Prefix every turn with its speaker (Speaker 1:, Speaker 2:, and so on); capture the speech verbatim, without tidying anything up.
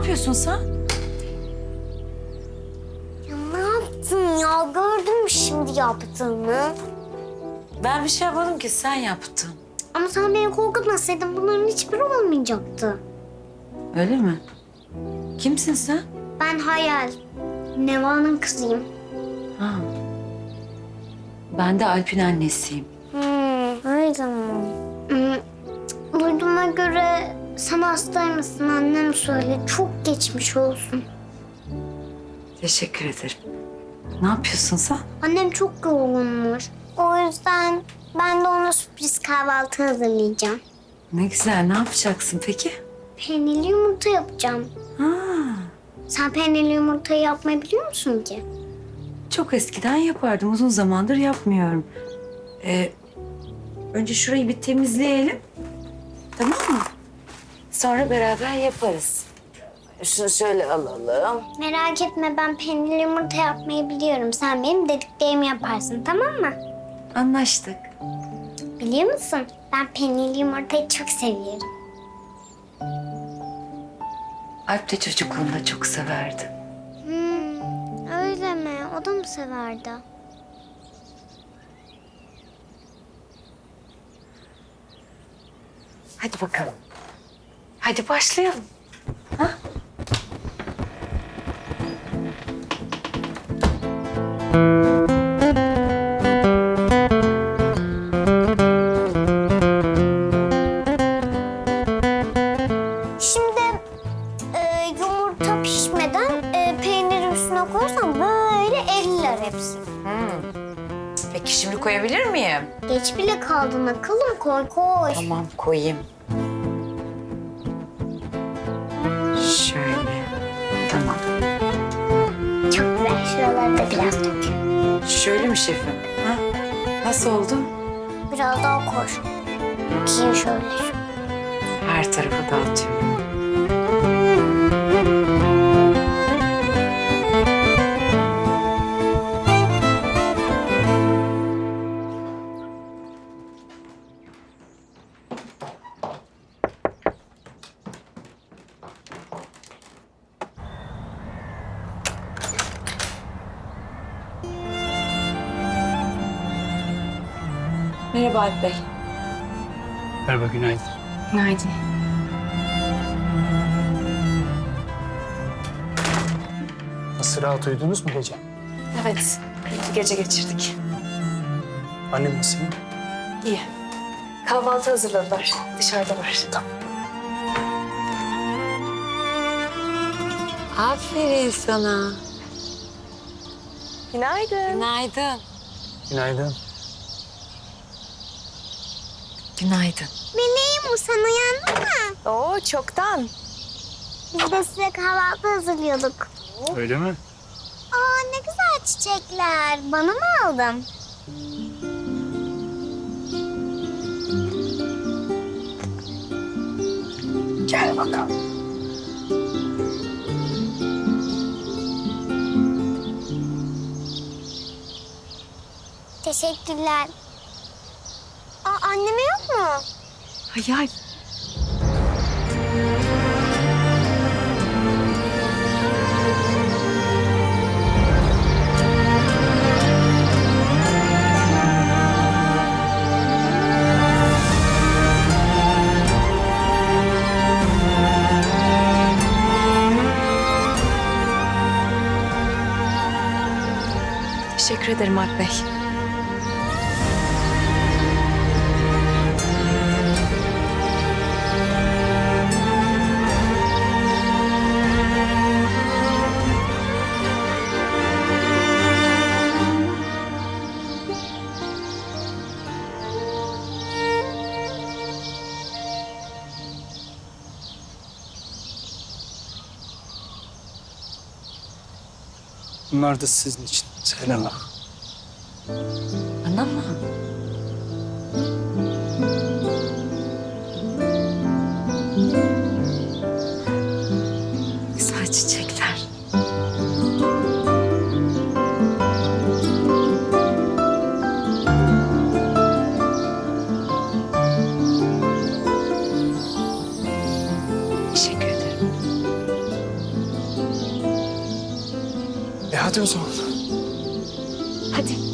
Speaker 1: yapıyorsun sen?
Speaker 2: Ya ne yaptın ya? Gördün mü şimdi yaptığını?
Speaker 1: Ben bir şey yapmadım ki, sen yaptın.
Speaker 2: Ama sen beni korkutmasaydın bunların hiçbiri olmayacaktı.
Speaker 1: Öyle mi? Kimsin sen?
Speaker 2: Ben Hayal. Neva'nın kızıyım.
Speaker 1: Ha. Ben de Alp'in annesiyim.
Speaker 2: Hmm, öyle mi? Hmm, duyduğuma göre sen hastaymışsın, annem söyledi. Çok geçmiş olsun.
Speaker 1: Teşekkür ederim. Ne yapıyorsun sen?
Speaker 2: Annem çok yorgunmuş. O yüzden ben de ona sürpriz kahvaltı hazırlayacağım.
Speaker 1: Ne güzel, ne yapacaksın peki?
Speaker 2: Peynirli yumurta yapacağım.
Speaker 1: Ha.
Speaker 2: Sen peynirli yumurtayı yapmayı biliyor musun ki?
Speaker 1: Çok eskiden yapardım, uzun zamandır yapmıyorum. Ee, önce şurayı bir temizleyelim. Tamam mı? Sonra beraber yaparız. Şunu şöyle alalım.
Speaker 2: Merak etme, ben peynirli yumurta yapmayı biliyorum. Sen benim dediklerimi yaparsın, tamam mı?
Speaker 1: Anlaştık.
Speaker 2: Biliyor musun? Ben peynirli yumurtayı çok seviyorum.
Speaker 1: Alp de çocukluğunda çok severdi.
Speaker 2: Hmm, öyle mi? O da mı severdi?
Speaker 1: Hadi bakalım. Hadi başlayalım. Ha?
Speaker 2: Şimdi e, yumurta pişmeden e, peyniri üstüne koyarsan böyle eriler hepsi.
Speaker 1: Peki şimdi koyabilir miyim?
Speaker 2: Geç bile kaldın akıllım, koy koy.
Speaker 1: Tamam, koyayım. Şöyle. Tamam.
Speaker 2: Çok güzel, şuraları da biraz dök.
Speaker 1: Şöyle mi şefim? Ha? Nasıl oldu?
Speaker 2: Biraz daha koy. Bakayım şöyle.
Speaker 1: Her tarafa dağıtıyorum. Merhaba Alp Bey.
Speaker 3: Merhaba, günaydın.
Speaker 1: Günaydın.
Speaker 3: Nasıl, rahat uyudunuz mu gece?
Speaker 1: Evet, iyi bir gece geçirdik.
Speaker 3: Annem nasıl?
Speaker 1: İyi. Kahvaltı hazırladılar. Dışarıda var. Tamam. Aferin sana.
Speaker 4: Günaydın.
Speaker 1: Günaydın.
Speaker 3: Günaydın.
Speaker 1: Günaydın.
Speaker 2: Meleğim, sen uyandın mı?
Speaker 4: Oo, çoktan.
Speaker 2: Biz de size kahvaltı hazırlıyorduk.
Speaker 3: Öyle mi?
Speaker 2: Aa, ne güzel çiçekler. Bana mı aldın?
Speaker 3: Gel bakalım.
Speaker 2: Teşekkürler. Aa, anneme yok mu?
Speaker 1: Hayal. Teşekkür ederim Alp Bey.
Speaker 3: Bunlar da sizin için. Selena.
Speaker 1: Bana mı? Güzel çiçekler. Teşekkür ederim.
Speaker 4: Hadi o zaman.
Speaker 1: Hadi.